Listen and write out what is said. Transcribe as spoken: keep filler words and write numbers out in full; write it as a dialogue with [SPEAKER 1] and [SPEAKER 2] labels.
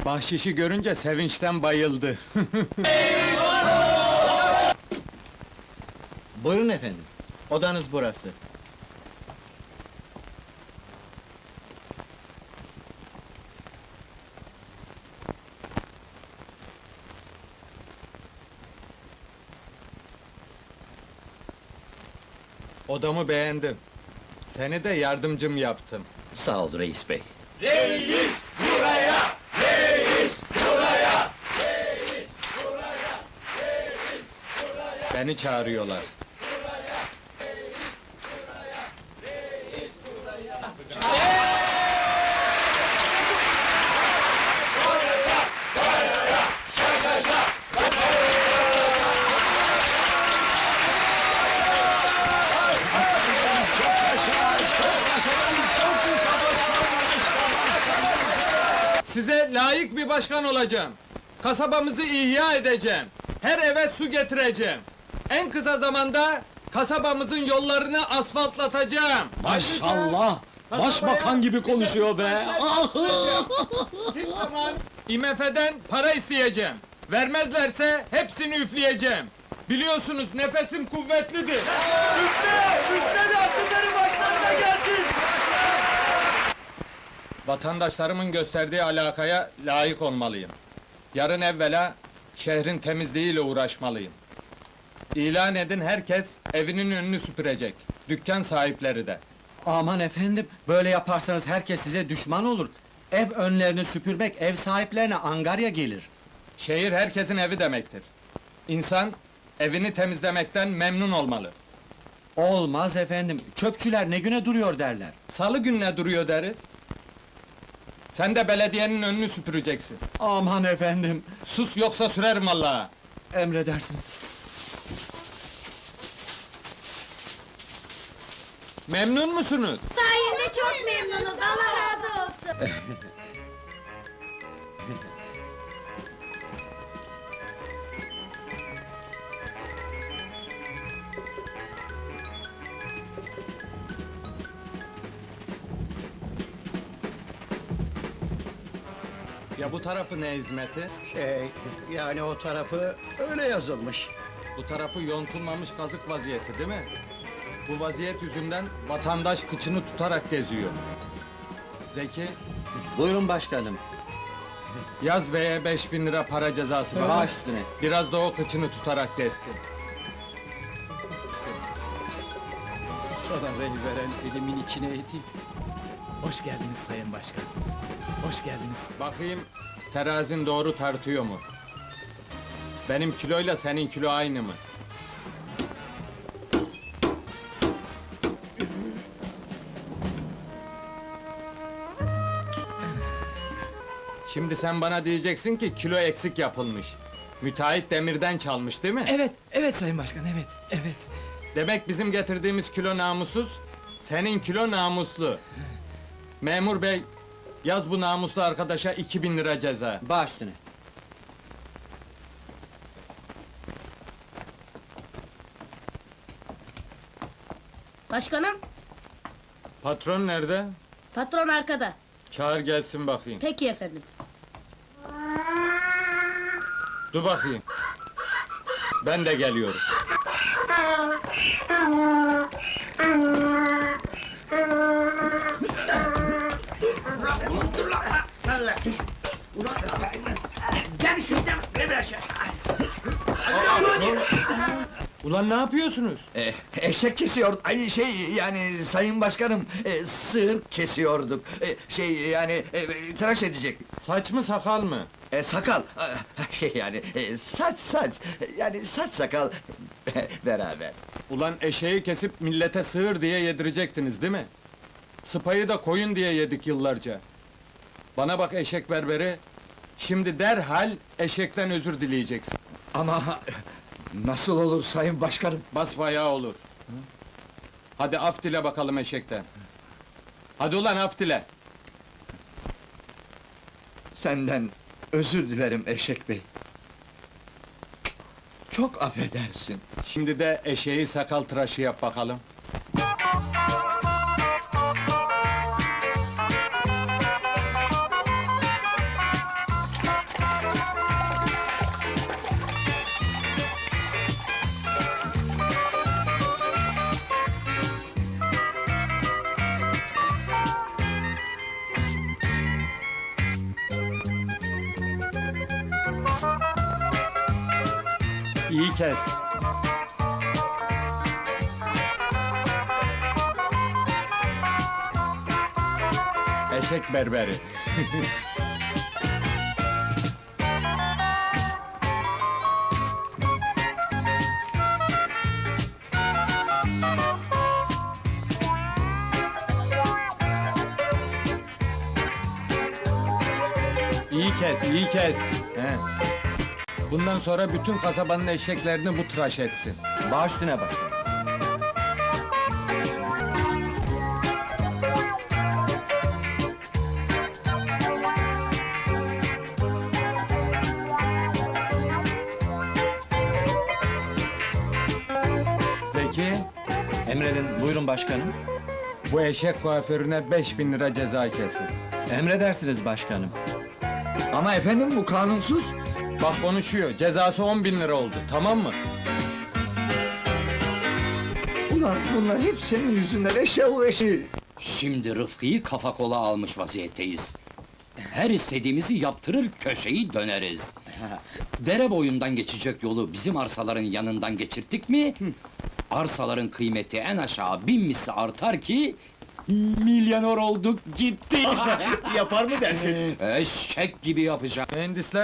[SPEAKER 1] Bahşişi görünce sevinçten bayıldı.
[SPEAKER 2] Buyurun efendim, odanız burası.
[SPEAKER 1] Odamı beğendim. Seni de yardımcım yaptım.
[SPEAKER 3] Sağ ol reis bey.
[SPEAKER 1] Beni çağırıyorlar. Size layık bir başkan olacağım. Kasabamızı ihya edeceğim. Her eve su getireceğim. En kısa zamanda kasabamızın yollarını asfaltlatacağım.
[SPEAKER 3] Maşallah! Başbakan gibi konuşuyor be!
[SPEAKER 1] Kim zaman I M F'den para isteyeceğim. Vermezlerse hepsini üfleyeceğim. Biliyorsunuz nefesim kuvvetlidir. Üfle! Üfle de akılları başlarına gelsin! Vatandaşlarımın gösterdiği alakaya layık olmalıyım. Yarın evvela şehrin temizliğiyle uğraşmalıyım. İlan edin, herkes evinin önünü süpürecek. Dükkan sahipleri de.
[SPEAKER 2] Aman efendim, böyle yaparsanız herkes size düşman olur. Ev önlerini süpürmek, ev sahiplerine angarya gelir.
[SPEAKER 1] Şehir herkesin evi demektir. İnsan evini temizlemekten memnun olmalı.
[SPEAKER 2] Olmaz efendim, çöpçüler ne güne duruyor derler.
[SPEAKER 1] Salı gününe duruyor deriz. Sen de belediyenin önünü süpüreceksin.
[SPEAKER 2] Aman efendim,
[SPEAKER 1] Sus yoksa sürerim vallahi.
[SPEAKER 2] emredersiniz.
[SPEAKER 1] Memnun musunuz?
[SPEAKER 4] Sayende çok memnunuz, Allah razı olsun.
[SPEAKER 1] Ya bu tarafı ne hizmeti?
[SPEAKER 5] Şey, yani o tarafı öyle yazılmış.
[SPEAKER 1] Bu tarafı yontulmamış kazık vaziyeti değil mi? Bu vaziyet yüzünden vatandaş kıçını tutarak geziyor. Zeki,
[SPEAKER 2] Buyurun başkanım,
[SPEAKER 1] yaz beye beş bin lira para cezası var.
[SPEAKER 2] baş üstüne.
[SPEAKER 1] Biraz da o kıçını tutarak gezsin.
[SPEAKER 5] Sana rey veren elimin içine edeyim.
[SPEAKER 6] Hoş geldiniz Sayın Başkan. Hoş geldiniz.
[SPEAKER 1] Bakayım, terazin doğru tartıyor mu? Benim kiloyla senin kilo aynı mı? Şimdi sen bana diyeceksin ki kilo eksik yapılmış. Müteahhit demirden çalmış değil mi?
[SPEAKER 6] Evet, evet Sayın Başkan, evet, evet.
[SPEAKER 1] Demek bizim getirdiğimiz kilo namussuz, senin kilo namuslu. Memur bey, yaz bu namuslu arkadaşa iki bin lira ceza.
[SPEAKER 2] Baş üstüne.
[SPEAKER 4] Başkanım,
[SPEAKER 1] Patron nerede?
[SPEAKER 4] patron arkada.
[SPEAKER 1] Çağır gelsin bakayım.
[SPEAKER 4] Peki efendim.
[SPEAKER 1] Dur bakayım. Ben de geliyorum. Ulan ne yapıyorsunuz?
[SPEAKER 7] Eh, eşek kesiyor, ay şey yani sayın başkanım, e, sığır kesiyorduk. E, şey yani e, tıraş edecek.
[SPEAKER 1] Saç mı sakal mı?
[SPEAKER 7] E, sakal, ah, şey yani e, saç saç, yani saç sakal beraber.
[SPEAKER 1] Ulan eşeği kesip millete sığır diye yedirecektiniz değil mi? Sıpayı da koyun diye yedik yıllarca. Bana bak eşek berberi, şimdi derhal eşekten özür dileyeceksin.
[SPEAKER 7] Ama nasıl olur sayın başkanım?
[SPEAKER 1] Basbayağı olur. Hadi af dile bakalım eşekten. Hadi ulan af dile.
[SPEAKER 7] Senden özür dilerim eşek bey. Çok affedersin.
[SPEAKER 1] Şimdi de eşeği sakal tıraşı yap bakalım.
[SPEAKER 2] iyi kes.
[SPEAKER 1] Eşek berberi.
[SPEAKER 2] İyi kes, iyi kes.
[SPEAKER 1] He. Bundan sonra bütün kasabanın eşeklerini bu tıraş etsin.
[SPEAKER 2] Baş üstüne başkanım.
[SPEAKER 1] Zeki,
[SPEAKER 2] Emredin, buyurun başkanım.
[SPEAKER 1] bu eşek kuaförüne beş bin lira ceza kesin.
[SPEAKER 2] Emredersiniz başkanım.
[SPEAKER 7] Ama efendim bu kanunsuz.
[SPEAKER 1] Bak konuşuyor, cezası on bin lira oldu, tamam mı?
[SPEAKER 7] Ulan bunlar hep senin yüzünden eşyalı eşi.
[SPEAKER 3] Şimdi Rıfkı'yı kafa kola almış vaziyetteyiz. Her istediğimizi yaptırır, köşeyi döneriz. Dere boyundan geçecek yolu bizim arsaların yanından geçirttik mi... ...arsaların kıymeti en aşağı bin misli artar ki... ...milyoner olduk gitti.
[SPEAKER 2] Yapar mı dersin?
[SPEAKER 3] Eşek gibi yapacağım.
[SPEAKER 1] Mühendisler